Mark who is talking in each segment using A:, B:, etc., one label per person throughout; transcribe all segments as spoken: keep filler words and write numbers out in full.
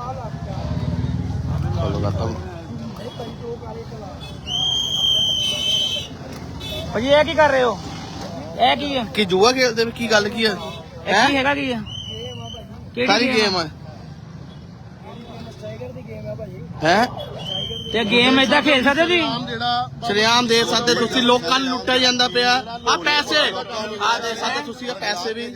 A: ਭਾਜੀ ਇਹ ਕੀ ਕਰ ਰਹੇ ਹੋ? ਇਹ ਕੀ ਹੈ?
B: ਕੀ ਜੂਆ ਖੇਲਦੇ ਕੀ ਗੱਲ ਕੀ ਹੈ?
A: ਇਹ ਕੀ ਹੈਗਾ ਕੀ ਹੈ?
B: ਕਿਹੜੀ ਗੇਮ ਹੈ? ਹੈ
A: ਤੇ ਗੇਮ ਏਦਾਂ ਖੇਲ ਸਕਦੇ ਜੀ?
B: ਜਿਹੜਾ ਸ਼ਰਿਆਮ ਦੇ ਸਕਦੇ ਤੁਸੀਂ, ਲੋਕਾਂ ਨੂੰ ਲੁੱਟਿਆ ਜਾਂਦਾ ਪਿਆ ਆ ਪੈਸੇ ਆ ਦੇ ਸਕਦੇ ਤੁਸੀਂ, ਆ ਪੈਸੇ ਵੀ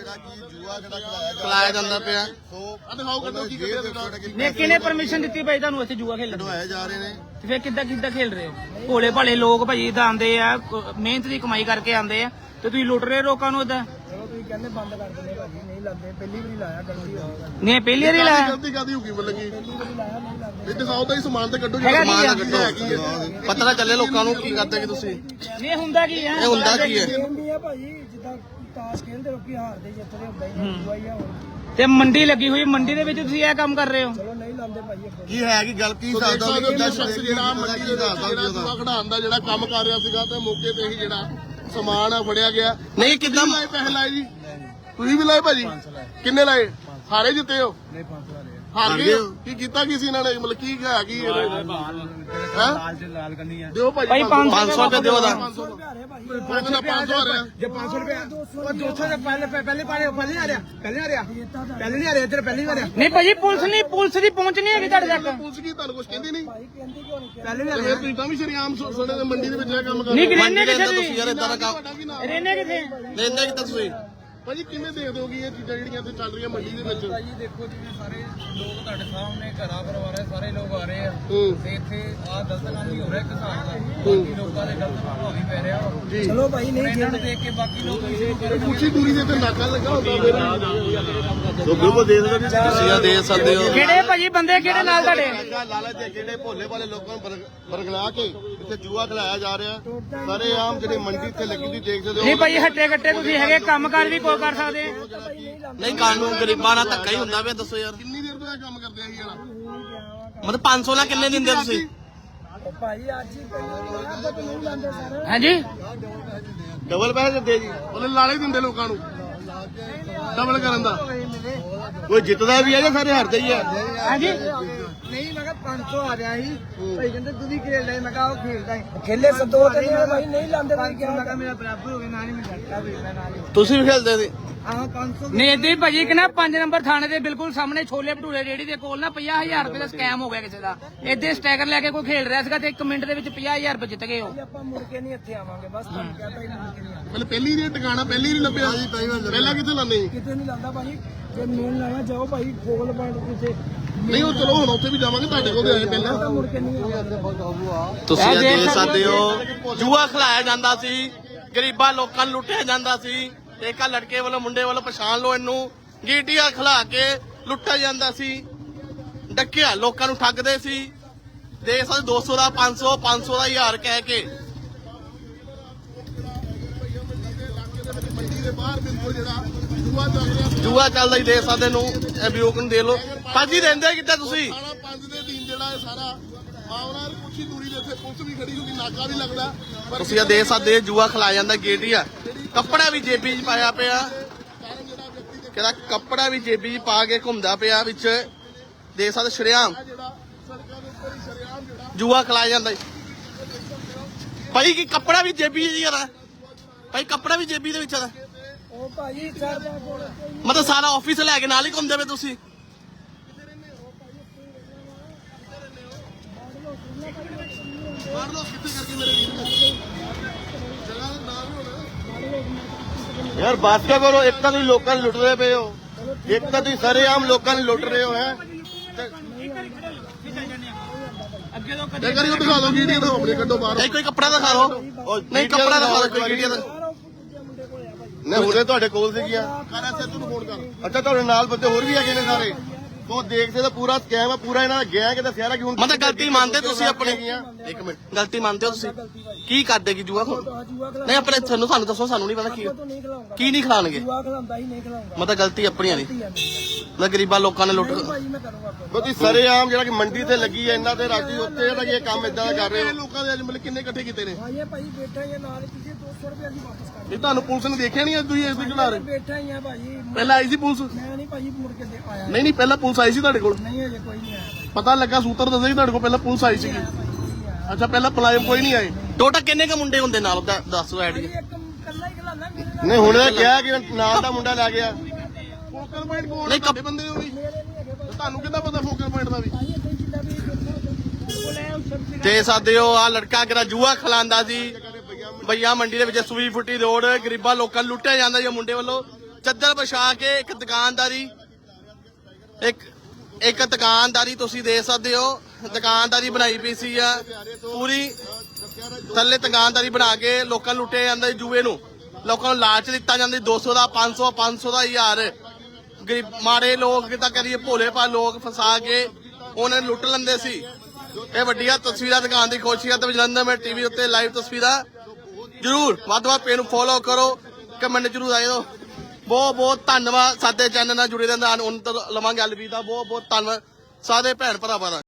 B: ਖਿਲਾਇਆ ਜਾਂਦਾ ਪਿਆ। ਆ ਦਿਖਾਓ ਕੱਢੋ ਕੀ ਕਰਦੇ
A: ਨੇ ਕਿਹਨੇ ਪਰਮਿਸ਼ਨ ਦਿੱਤੀ ਭਾਈ ਤੁਹਾਨੂੰ ਇੱਥੇ ਜੂਆ ਖੇਲਣ ਦੀ?
B: ਆਏ ਜਾ ਰਹੇ ਨੇ
A: ਤੇ ਫਿਰ ਕਿੱਦਾਂ ਕਿੱਦਾਂ ਖੇਲ ਰਹੇ ਹੋ? ਭੋਲੇ ਭਾਲੇ ਲੋਕ ਭਾਜੀ ਤਾਂ ਆਉਂਦੇ ਆ, ਮਿਹਨਤ ਦੀ ਕਮਾਈ ਕਰਕੇ ਆਉਂਦੇ ਆ, ਤੇ ਤੁਸੀਂ ਲੁੱਟ ਰਹੇ ਲੋਕਾਂ ਨੂੰ ਏਦਾਂ।
C: ਚਲੋ ਤੁਸੀਂ ਕਹਿੰਦੇ ਬੰਦ ਕਰ ਦਿੰਦੇ ਭਾਜੀ, ਨਹੀਂ ਲਾਉਂਦੇ, ਪਹਿਲੀ ਵਾਰੀ ਲਾਇਆ, ਗਲਤੀ ਹੋ ਗਈ।
A: ਨਹੀਂ ਪਹਿਲੀ ਵਾਰੀ ਲਾਇਆ,
B: ਗਲਤੀ ਕਾਦੀ ਹੋ ਗਈ ਮਤਲਬ ਕਿ
C: ਪਹਿਲੀ ਵਾਰੀ ਲਾਇਆ, ਨਹੀਂ ਲਾਉਂਦੇ।
B: ਇਹ ਦਿਖਾਓ ਤਾਂ ਸਮਾਨ ਤੇ ਕੱਢੋ,
A: ਹੈਗਾ
B: ਸਮਾਨ
A: ਕੀ
B: ਨਾ ਕੱਢੋ, ਪਤਾ ਨਾ ਚੱਲੇ ਲੋਕਾਂ ਨੂੰ ਕੀ ਕਰਦੇ ਕਿ ਤੁਸੀਂ।
A: ਨਹੀਂ ਹੁੰਦਾ ਕੀ ਹੈ?
B: ਇਹ ਹੁੰਦਾ ਕੀ ਹੈ?
C: ਗੇਮ ਵੀ ਆ ਭਾਜੀ, ਜਿੱਦਾਂ ਤਾਸ਼ ਖੇਲਦੇ ਲੋਕੀ ਹਾਰਦੇ ਜਿੱਤਦੇ ਹੁੰਦਾ ਹੀ ਨਹੀਂ, ਜੂਆ ਹੀ ਆ ਹੋਰ ਕੀ।
A: ਤੇ ਮੰਡੀ ਲੱਗੀ ਹੋਈ, ਮੰਡੀ ਦੇ ਵਿੱਚ ਤੁਸੀਂ ਇਹ ਕੰਮ ਕਰ ਰਹੇ ਹੋ?
C: ਚਲੋ ਨਹੀਂ ਲਾਉਂਦੇ ਭਾਜੀ ਅੱਗੇ।
B: ਕੀ ਹੈ ਕਿ ਗੱਲ ਕੀ ਦੱਸਦਾ ਉਹਦਾ ਸ਼ਖਸ ਜਿਹੜਾ ਮੰਡੀ ਦੇ ਜਿਹੜਾ ਜੂਆ ਖੜਾਉਣ ਦਾ ਜਿਹੜਾ ਕੰਮ ਕਰ ਰਿਹਾ ਸੀਗਾ ਤੇ ਮੌਕੇ ਤੇ ਹੀ ਜਿਹੜਾ ਸਮਾਨ ਆ ਫੜਿਆ ਗਿਆ। ਨਹੀਂ ਕਿੱਦਾਂ ਲਾਏ ਪੈਸੇ ਲਾਏ ਜੀ? ਤੁਸੀਂ ਵੀ ਲਾਏ ਭਾਜੀ? ਕਿੰਨੇ ਲਾਏ? ਹਾਰੇ ਜਿੱਤੇ ਹੋ?
C: ਨਹੀਂ ਪੰਜ ਵਾਲੇ
B: ਹਾਰ ਗਏ ਹੋ? ਕੀ ਕੀਤਾ ਕੀ ਸੀ ਇਹਨਾਂ ਨੇ? ਮਤਲਬ ਕੀ ਹੈ ਕੀ ਹੈ
C: ਲਾਲ ਚ ਲਾਲ ਕਰਨੀ ਆ।
B: ਦਿਓ ਭਾਜੀ
A: ਭਾਈ ਪੰਜ ਸੌ
B: ਰੁਪਏ ਦਿਓ ਦਾ
C: ਪੰਜ ਸੌ ਰੁਪਏ ਆ ਰਿਹਾ ਭਾਜੀ।
B: ਪੰਜ ਸੌ ਪੰਜ ਸੌ ਆ ਰਿਹਾ।
C: ਜੇ ਪੰਜ ਸੌ ਰੁਪਏ ਉਹ ਦੋ ਸੌ ਦੇ ਪਹਿਲੇ ਪਹਿਲੇ ਪਾਰੇ ਪਹਿਲੇ ਆ ਰਿਹਾ, ਪਹਿਲੇ ਆ ਰਿਹਾ, ਪਹਿਲੇ ਨਹੀਂ ਆ ਰਿਹਾ, ਇੱਧਰ ਪਹਿਲੇ ਆ ਰਿਹਾ।
A: ਨਹੀਂ ਭਾਜੀ ਪੁਲਿਸ ਨਹੀਂ, ਪੁਲਿਸ ਦੀ ਪਹੁੰਚ ਨਹੀਂ ਹੈਗੀ ਤੁਹਾਡੇ ਤੱਕ।
B: ਪੁਲਿਸ ਕੀ ਤੁਹਾਨੂੰ ਕੁਝ ਕਹਿੰਦੀ ਨਹੀਂ?
C: ਭਾਈ ਕਹਿੰਦੀ ਕਿਉਂ ਨਹੀਂ? ਪਹਿਲੇ ਵੀ ਆ
B: ਤੇ
C: ਰਿਹਾ।
B: ਫਿਰ ਤੁਸੀਂ ਤਾਂ ਵੀ ਸ਼ਰੀਆਮ ਸੋਨੇ ਦੇ ਮੰਡੀ ਦੇ ਵਿੱਚ ਇਹ ਕੰਮ ਕਰ
A: ਨਹੀਂ ਰਹਿੰਦੇ ਕਿੱਥੇ
B: ਤੁਸੀਂ
A: ਤੁਸੀਂ?
B: ਯਾਰ ਇਦਾਂ ਦਾ ਕੰਮ
A: ਰਹਿੰਦੇ ਕਿੱਥੇ?
B: ਲੈਂਦੇ ਕਿੱਦਾਂ ਤੁਸੀਂ? ਭਾਜੀ ਕਿਵੇਂ ਦੇਖਦੇ ਹੋ ਕਿ ਇਹ ਚੀਜ਼ਾਂ ਜਿਹੜੀਆਂ ਇੱਥੇ ਚੱਲ ਰਹੀਆਂ ਮੰਡੀ ਦੇ ਵਿੱਚ?
C: ਭਾਜੀ ਦੇਖੋ ਜਿਵੇਂ ਸਾਰੇ ਲੋਕ ਤੁਹਾਡੇ ਸਾਹਮਣੇ ਘਰਾਂ ਪਰਿਵਾਰ ਸਾਰੇ ਲੋਕ ਆ ਰਹੇ ਆ
B: ਹੂੰ
C: ਤੇ ਇੱਥੇ ਆ ਗਲਤ ਕੰਮ ਹੀ ਹੋ ਰਿਹਾ ਕਿਸਾਨ ਦਾ, ਬਾਕੀ ਲੋਕਾਂ ਦੇ ਗਲਤ ਪ੍ਰਭਾਵ ਵੀ ਪੈ ਰਿਹਾ ਵਾ। ਚਲੋ ਭਾਈ ਨਹੀਂ ਇਹਨਾਂ ਨੂੰ ਦੇਖ ਕੇ ਬਾਕੀ ਲੋਕ ਕਿਸੇ ਨੂੰ ਕਰਨ
B: ਕੁਛ ਹੀ ਦੂਰੀ ਦੇ ਤੇ ਨਾਕਾ ਲੱਗਾ ਹੁੰਦਾ ਫਿਰ ਉਹ ਬਿਲਕੁਲ ਦੇ ਸਕਦੇ ਤੁਸੀਂ ਆ ਦੇ ਸਕਦੇ ਹੋ।
A: ਕਿਹੜੇ ਭਾਜੀ ਬੰਦੇ ਕਿਹੜੇ ਨਾਲ ਤੁਹਾਡੇ?
B: ਲਾਲਚ ਦੇ ਜਿਹੜੇ ਭੋਲੇ ਵਾਲੇ ਲੋਕਾਂ ਨੂੰ ਬਰਗਲਾ ਕੇ ਇੱਥੇ ਜੂਆ ਖਿਲਾਇਆ ਜਾ ਰਿਹਾ। ਸਾਰੇ ਆਮ ਜਿਹੜੇ ਮੰਡੀ ਇੱਥੇ ਲੱਗੀ ਦੀ ਦੇਖ ਸਕਦੇ ਹੋ।
A: ਨਹੀਂ ਭਾਜੀ ਹੱਟੇ ਕੱਟੇ ਤੁਸੀਂ ਹੈਗੇ, ਕੰਮਕਾਰ ਵੀ ਕੋਈ ਕਰ ਸਕਦੇ ਆ।
B: ਨਹੀਂ ਕਾਨੂੰਨ ਗਰੀਬਾਂ ਨਾਲ ਧੱਕਾ ਹੀ ਹੁੰਦਾ ਪਿਆ। ਦੱਸੋ ਯਾਰ ਕਿੰਨੀ ਦੇਰ ਤੋਂ ਇਹ ਕੰਮ ਕਰਦੇ ਆ ਜੀ ਵਾਲਾ? ਮਤਲਬ ਪੰਜ ਸੌ ਨਾਲ ਕਿੰਨੇ ਦਿੰਦੇ ਤੁਸੀਂ?
C: ਭਾਈ ਅੱਜ ਹੀ ਪਹਿਲਾਂ ਨਹੀਂ ਲਾਉਂਦੇ ਸਰ।
A: ਹਾਂਜੀ
B: ਡਬਲ ਪੈਸੇ ਦਿੰਦੇ ਜੀ? ਉਹਨੇ ਲਾਲੇ ਦਿੰਦੇ ਲੋਕਾਂ ਨੂੰ ਡਬਲ ਕਰਨ ਦਾ। ਕੋਈ ਜਿੱਤਦਾ ਵੀ ਹੈ ਜਾਂ ਸਾਰੇ ਹਾਰਦੇ ਹੀ ਆ?
A: ਹਾਂਜੀ
C: ਨਹੀਂ ਮੈਂ ਕਿਹਾ ਪੰਜ ਸੌ ਆ ਰਿਹਾ ਸੀ, ਭਾਈ ਕਹਿੰਦੇ ਤੂੰ ਵੀ ਖੇਡ ਲੈ, ਮੈਂ ਕਿਹਾ ਉਹ ਖੇਡਦਾ ਹੈ। ਖੇਲੇ ਸਦੋ ਤੇ ਨਹੀਂ ਭਾਈ ਨਹੀਂ ਲਾਉਂਦੇ ਭਾਈ ਕਿਹਾ। ਮੈਂ ਕਿਹਾ ਮੇਰਾ ਬਰਾਬਰ ਹੋ ਗਿਆ, ਨਾਲ ਹੀ ਮੈਂ ਲੜਦਾ ਵੀ ਮੈਂ ਨਾਲ ਹੀ।
B: ਤੁਸੀਂ ਵੀ ਖੇਲਦੇ ਸੀ?
C: ਆਹ ਪੰਜ ਸੌ
A: ਨਹੀਂ ਏਦਾਂ ਹੀ ਭਾਜੀ ਕਿ ਨਾ ਪੰਜ ਨੰਬਰ ਥਾਣੇ ਦੇ ਬਿਲਕੁਲ ਸਾਹਮਣੇ ਛੋਲੇ ਭਟੂਰੇ ਰੇੜੀ ਦੇ ਕੋਲ ਨਾ ਪੰਜਾਹ ਹਜ਼ਾਰ ਰੁਪਏ ਦਾ ਸਕੈਮ ਹੋ ਗਿਆ ਕਿਸੇ ਦਾ। ਏਦਾਂ ਸਟੈਕਰ ਲੈ ਕੇ ਕੋਈ ਖੇਡ ਰਿਹਾ ਸੀਗਾ ਤੇ ਇੱਕ ਮਿੰਟ ਦੇ ਵਿੱਚ ਪੰਜਾਹ ਹਜ਼ਾਰ ਰੁਪਏ ਜਿੱਤ ਗਏ ਹੋ।
C: ਆਪਾਂ ਮੁੜ ਕੇ ਨਹੀਂ ਇੱਥੇ ਆਵਾਂਗੇ, ਬਸ ਤੁਹਾਨੂੰ ਕਹਤਾ ਹੀ ਮੁੜ ਕੇ ਨਹੀਂ ਆਵਾਂਗੇ।
B: ਮਤਲਬ ਪਹਿਲੀ ਰੀ ਟਿਕਾਣਾ ਪਹਿਲੀ ਰੀ ਲੱਭਿਆ? ਪਹਿਲਾਂ ਕਿੱਥੇ ਲਾਉਂਦੇ ਸੀ?
C: ਕਿਤੇ ਨਹੀਂ ਲਾਉਂਦਾ ਭਾਈ, ਜੇ ਮੇਨ ਲਾਣਾ ਜਾਓ ਭਾਈ ਗੋਲ ਬਾਂਡ ਕਿਤੇ
B: ਨਹੀਂ ਉਹ ਚਲੋ ਹੁਣ ਉੱਥੇ ਵੀ ਜਾਵਾਂਗੇ, ਤੁਹਾਡੇ ਕੋਲ ਆਏ ਪਹਿਲਾਂ।
C: ਮੁੜ ਕੇ ਨਹੀਂ ਆਵਾਂਗੇ।
B: ਤੁਸੀਂ ਇਹ ਦੇਖ ਸਕਦੇ ਹੋ ਜੂਆ ਖਿਲਾਇਆ ਜਾਂਦਾ ਸੀ, ਗਰੀਬਾਂ ਲੋਕਾਂ ਨੂੰ ਲੁੱਟਿਆ ਜਾਂਦਾ ਸੀ। ਇੱਕ ਆ ਲੜਕੇ ਵੱਲੋਂ ਮੁੰਡੇ ਵੱਲੋਂ ਪਛਾਣ ਲਓ ਇਹਨੂੰ, ਗੀਟੀਆਂ ਖਿਲਾ ਕੇ ਲੁੱਟਿਆ ਜਾਂਦਾ ਸੀ, ਡੱਕਿਆ ਲੋਕਾਂ ਨੂੰ ਠੱਗਦੇ ਸੀ। ਦੇਖ ਸਕਦੇ ਦੋ ਸੌ ਦਾ ਪੰਜ ਸੌ, ਪੰਜ ਸੌ ਦਾ ਹਜ਼ਾਰ ਕਹਿ ਕੇ। ਜੂਆ ਚੱਲਦਾ ਹੀ ਦੇਖ ਸਕਦੇ ਨੂੰ ਇਹ ਵਿਊਕ ਨੂੰ ਦੇ ਲੋ। ਭਾਜੀ ਰਹਿੰਦੇ ਕਿੱਥੇ ਤੁਸੀਂ? ਪੰਜ ਦੇ ਦਿਨ ਜਿਹੜਾ ਇਹ ਸਾਰਾ ਆਉਣਾ ਕੁਛ ਹੀ ਦੂਰੀ ਦੇ ਇੱਥੇ ਪੁਲਿਸ ਵੀ ਖੜੀ ਹੁੰਦੀ, ਨਾਕਾ ਵੀ ਲੱਗਦਾ। ਤੁਸੀਂ ਇਹ ਦੇਖ ਸਕਦੇ ਜੂਆ ਖਿਲਾਇਆ ਜਾਂਦਾ ਗੇਟ ਹੀ ਆ। ਕੱਪੜਾ ਵੀ ਜੇਬੀ 'ਚ ਪਾਇਆ ਪਿਆ, ਕਿਹੜਾ ਕੱਪੜਾ ਵੀ ਜੇਬੀ 'ਚ ਪਾ ਕੇ ਘੁੰਮਦਾ ਪਿਆ ਵਿੱਚ। ਦੇਖ ਸਕਦੇ ਸ਼ਰੇਆਮ ਜੂਆ ਖਿਲਾਇਆ ਜਾਂਦਾ ਭਾਈ। ਕੀ ਕੱਪੜਾ ਵੀ ਜੇਬੀ 'ਚ ਆ ਭਾਈ? ਕੱਪੜਾ ਵੀ ਜੇਬੀ ਦੇ ਵਿੱਚ ਆ?
C: ਉਹ ਭਾਈ ਸਰ ਦਾ ਕੋਲ
B: ਮਤਲਬ ਸਾਰਾ ਆਫਿਸ ਲੈ ਕੇ ਨਾਲ ਹੀ ਘੁੰਮਦੇ ਪਏ ਤੁਸੀਂ? ਯਾਰ ਬਾਤ ਕਿਆ ਕਰੋ, ਇੱਕ ਤਾਂ ਤੁਸੀਂ ਲੋਕਾਂ ਨੂੰ ਲੁੱਟ ਰਹੇ ਪਏ ਹੋ, ਇੱਕ ਤਾਂ ਤੁਸੀਂ ਸਰੇਆਮ ਲੋਕਾਂ ਨੂੰ ਲੁੱਟ ਰਹੇ ਹੋ। ਹੈ
A: ਅੱਗੇ ਤੋਂ
B: ਇਹ ਕਰੀ ਉਹ ਦਿਖਾ ਦਿਓ ਵੀਡੀਓ ਤਾਂ ਆਪਣੇ ਕੱਢੋ ਬਾਹਰ। ਨਹੀਂ ਕੋਈ ਕੱਪੜਾ ਦਿਖਾ ਦਿਓ। ਨਹੀਂ ਕੱਪੜਾ ਦਿਖਾ ਦਿਓ ਕੋਈ ਵੀਡੀਓ ਦਾ। ਨਹੀਂ ਹੁਣੇ ਤੁਹਾਡੇ ਕੋਲ ਸੀਗੀਆਂ। ਕਾਰਾ ਸੇ ਤੂੰ ਫੋਨ ਕਰ। ਅੱਛਾ ਤੁਹਾਡੇ ਨਾਲ ਬੰਦੇ ਹੋਰ ਵੀ ਹੈਗੇ ਨੇ ਸਾਰੇ? ਉਹ ਦੇਖਦੇ ਤਾਂ ਪੂਰਾ ਸਕੈਮ ਆ, ਪੂਰਾ ਇਹਨਾਂ ਦਾ ਗਿਆ ਕਿਤੇ ਸਿਆਰਾ ਕਿਉਂ? ਮਤਲਬ ਗਲਤੀ ਮੰਨਦੇ ਤੁਸੀਂ ਆਪਣੀ? ਇੱਕ ਮਿੰਟ, ਗਲਤੀ ਮੰਨਦੇ ਹੋ ਤੁਸੀਂ? ਕੀ ਕਰਦੇ ਕੀ ਜੂਆ ਖੋ? ਨਹੀਂ ਆਪਣੇ ਤੁਹਾਨੂੰ ਸਾਨੂੰ ਦੱਸੋ, ਸਾਨੂੰ ਨਹੀਂ ਪਤਾ ਕੀ ਕੀ ਨਹੀਂ ਖਿਲਾਣਗੇ।
C: ਜੂਆ ਖਿਲਾਉਂਦਾ ਹੀ ਨਹੀਂ ਖਿਲਾਉਂਗਾ।
B: ਮਤਲਬ ਗਲਤੀ ਆਪਣੀਆਂ ਨਹੀਂ, ਮਤਲਬ ਗਰੀਬਾਂ ਲੋਕਾਂ ਨੇ ਲੁੱਟ।
C: ਭਾਈ ਮੈਂ ਕਰੂੰਗਾ
B: ਤੁਸੀਂ ਸਰੇਆਮ ਜਿਹੜਾ ਕਿ ਮੰਡੀ ਤੇ ਲੱਗੀ ਹੈ ਇਹਨਾਂ ਤੇ ਰਾਜੀ ਉੱਤੇ ਜਿਹੜਾ ਕਿ ਇਹ ਕੰਮ ਇਦਾਂ ਦਾ ਕਰ ਰਹੇ ਹੋ। ਲੋਕਾਂ ਦੇ ਅੱਜ ਮਤਲਬ ਕਿੰਨੇ ਇਕੱਠੇ ਕੀਤੇ ਨੇ?
C: ਹਾਂ ਇਹ ਭਾਈ ਬੈਠਾ ਇਹ ਨਾਲ ਕਿਸੇ ਦੋ ਸੌ ਰੁਪਏ ਅਸੀਂ ਵਾਪਸ ਕਰ
B: ਇਹ ਤੁਹਾਨੂੰ ਪੁਲਿਸ ਨੇ ਦੇਖਿਆ ਨਹੀਂ ਤੁਸੀਂ ਇਸ ਦੀ ਚੜਾ ਰਹੇ
C: ਬੈਠਾ ਹੀ ਆ ਭਾਜੀ
B: ਪਹਿਲਾਂ ਆਈ ਸੀ ਪੁਲਿਸ
C: ਮੈਂ ਨਹੀਂ ਭਾਜੀ ਮੁੜ ਕੇ ਦੇ ਆਇਆ
B: ਨਹੀਂ ਨਹੀਂ ਪਹਿਲਾਂ ਪੁਲਿਸ ਆਈ ਸੀ ਤੁਹਾਡੇ ਕੋਲ
C: ਨਹੀਂ ਅਜੇ ਕੋਈ ਨਹੀਂ ਆਇਆ
B: ਪਤਾ ਲੱਗਾ ਸੂਤਰ ਦੱਸੇ ਤੁਹਾਡੇ ਕੋਲ ਪਹਿਲਾਂ ਪੁਲਿਸ ਆਈ ਸੀਗੀ ਅੱਛਾ ਪਹਿਲਾਂ ਪਲਾਇਮ ਕੋਈ ਨਹੀਂ ਆਏ ਟੋਟਲ ਕਿੰਨੇ ਕ ਮੁੰਡੇ ਹੁੰਦੇ ਨਾਲ ਦੱਸ ਦਿਓ ਆਈਡੀ
C: ਇੱਕ ਕੱਲਾ ਹੀ ਖਲਾਣਾ ਮੇਰੇ ਨਾਲ
B: ਨਹੀਂ ਹੁਣ ਇਹ ਕਿਹਾ ਕਿ ਨਾਲ ਦਾ ਮੁੰਡਾ ਲੈ ਗਿਆ ਫੋਕਲ ਪੁਆਇੰਟ ਕੋਲ ਨਹੀਂ ਕੱਪੇ ਬੰਦੇ ਨੂੰ ਵੀ ਤੁਹਾਨੂੰ ਕਿੱਦਾਂ ਪਤਾ ਫੋਕਲ ਪੁਆਇੰਟ ਦਾ ਵੀ
C: ਭਾਜੀ ਇੱਥੇ ਜਿੱਦਾਂ ਵੀ ਕੋਲੇ ਉਸ
B: ਦੇ ਸਕਦੇ ਹੋ ਆ ਲੜਕਾ ਕਿਹੜਾ ਜੂਆ ਖਿਲਾਉਂਦਾ ਸੀ ਬਈਆ ਮੰਡੀ ਦੇ ਵਿੱਚ ਸੂਈ ਫੁੱਟੀ ਰੋਡ ਗਰੀਬਾਂ ਲੋਕਾਂ ਨੂੰ ਲੁੱਟਿਆ ਜਾਂਦਾ ਜੀ ਮੁੰਡੇ ਵੱਲੋਂ ਚੱਦਰ ਵਿਛਾ ਕੇ ਇੱਕ ਦੁਕਾਨਦਾਰੀ ਇੱਕ ਇੱਕ ਦੁਕਾਨਦਾਰੀ ਤੁਸੀਂ ਦੇ ਸਕਦੇ ਹੋ ਦੁਕਾਨਦਾਰੀ ਬਣਾਈ ਪਈ ਸੀ ਆ ਪੂਰੀ ਥੱਲੇ ਦੁਕਾਨਦਾਰੀ ਬਣਾ ਕੇ ਲੋਕਾਂ ਨੂੰ ਲੁੱਟਿਆ ਜਾਂਦਾ ਜੀ ਜੂਏ ਨੂੰ ਲੋਕਾਂ ਨੂੰ ਲਾਲਚ ਦਿੱਤਾ ਜਾਂਦਾ ਦੋ ਸੌ ਦਾ ਪੰਜ ਸੌ ਪੰਜ ਸੌ ਦਾ ਹਜ਼ਾਰ ਗਰੀਬ ਮਾੜੇ ਲੋਕ ਕਿਤਾ ਕਰੀਏ ਭੋਲੇ ਪਾ ਲੋਕ ਫਸਾ ਕੇ ਉਹਨਾਂ ਨੂੰ ਲੁੱਟ ਲੈਂਦੇ ਸੀ ਇਹ ਵੱਡੀਆਂ ਤਸਵੀਰਾਂ ਦਿਖਾਉਣ ਦੀ ਕੋਸ਼ਿਸ਼ ਹੈ ਤੇ ਜਲੰਧਰ ਮੈਂ ਟੀਵੀ ਉੱਤੇ ਲਾਈਵ ਤਸਵੀਰਾਂ ਜਰੂਰ ਵੱਧ ਵੱਧ ਪੇਜ ਨੂੰ ਫੋਲੋ ਕਰੋ ਕਮੈਂਟ ਜਰੂਰ ਆਇਓ ਬਹੁਤ ਬਹੁਤ ਧੰਨਵਾਦ ਸਾਡੇ ਚੈਨਲ ਨਾਲ ਜੁੜੇ ਰਹਿੰਦੇ ਹਨ ਉਹਨਾਂ ਤੋਂ ਲਵਾਂਗੇ ਐਲਵੀ ਦਾ ਬਹੁਤ ਬਹੁਤ ਧੰਨਵਾਦ ਸਾਰੇ ਭੈਣ ਭਰਾਵਾਂ ਦਾ।